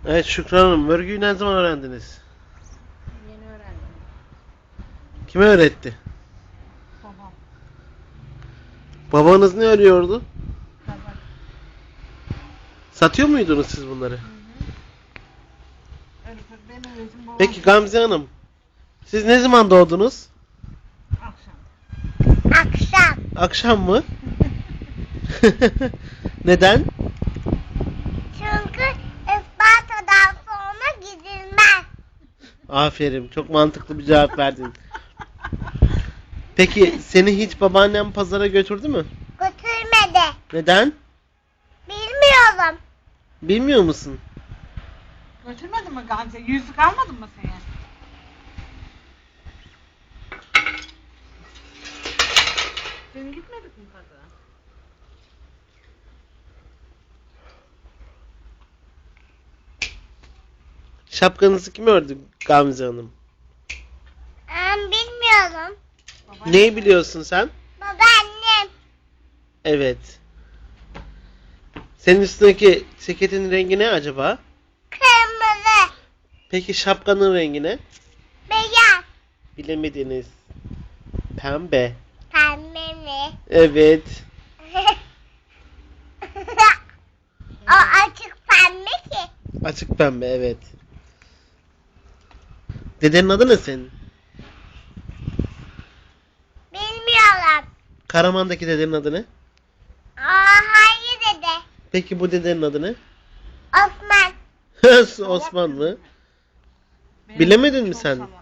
Evet Şükran Hanım, örgüyü ne zaman öğrendiniz? Yeni öğrendim. Kime öğretti? Babam. Babanız ne örüyordu? Tabak. Satıyor muydunuz siz bunları? Hı. Örgü ben öğretim babam. Peki Gamze Hanım, siz ne zaman doğdunuz? Akşam. Akşam. Akşam mı? Neden? Çünkü Isparta'dan sonra gidilmez. Aferin, çok mantıklı bir cevap verdin. Peki seni hiç babaannen pazara götürdü mü? Götürmedi. Neden? Bilmiyorum. Bilmiyor musun? Götürmedin mi Gamze? Yüzük almadın mı sen? Sen gitmedik mi pazara? Şapkanızı kim ördü Gamze Hanım? Bilmiyorum. Baban Neyi biliyorsun sen? Babaannem. Evet. Senin üstündeki ceketin rengi ne acaba? Kırmızı. Peki şapkanın rengi ne? Beyaz. Bilemediniz. Pembe. Pembe mi? Evet. O açık pembe ki. Açık pembe, evet. Dedenin adı ne senin? Bilmiyorum. Karaman'daki dedenin adı ne? Hayır dede. Peki bu dedenin adı ne? Osman. Osman mı? Benim Bilemedin kızım mi çok sen? salak.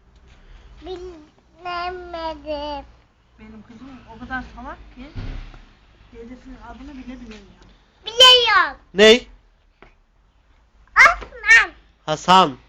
Bilemedim. Benim kızım o kadar salak ki dedesinin adını bile bilemiyor. Biliyorum. Ney? Osman. Hasan.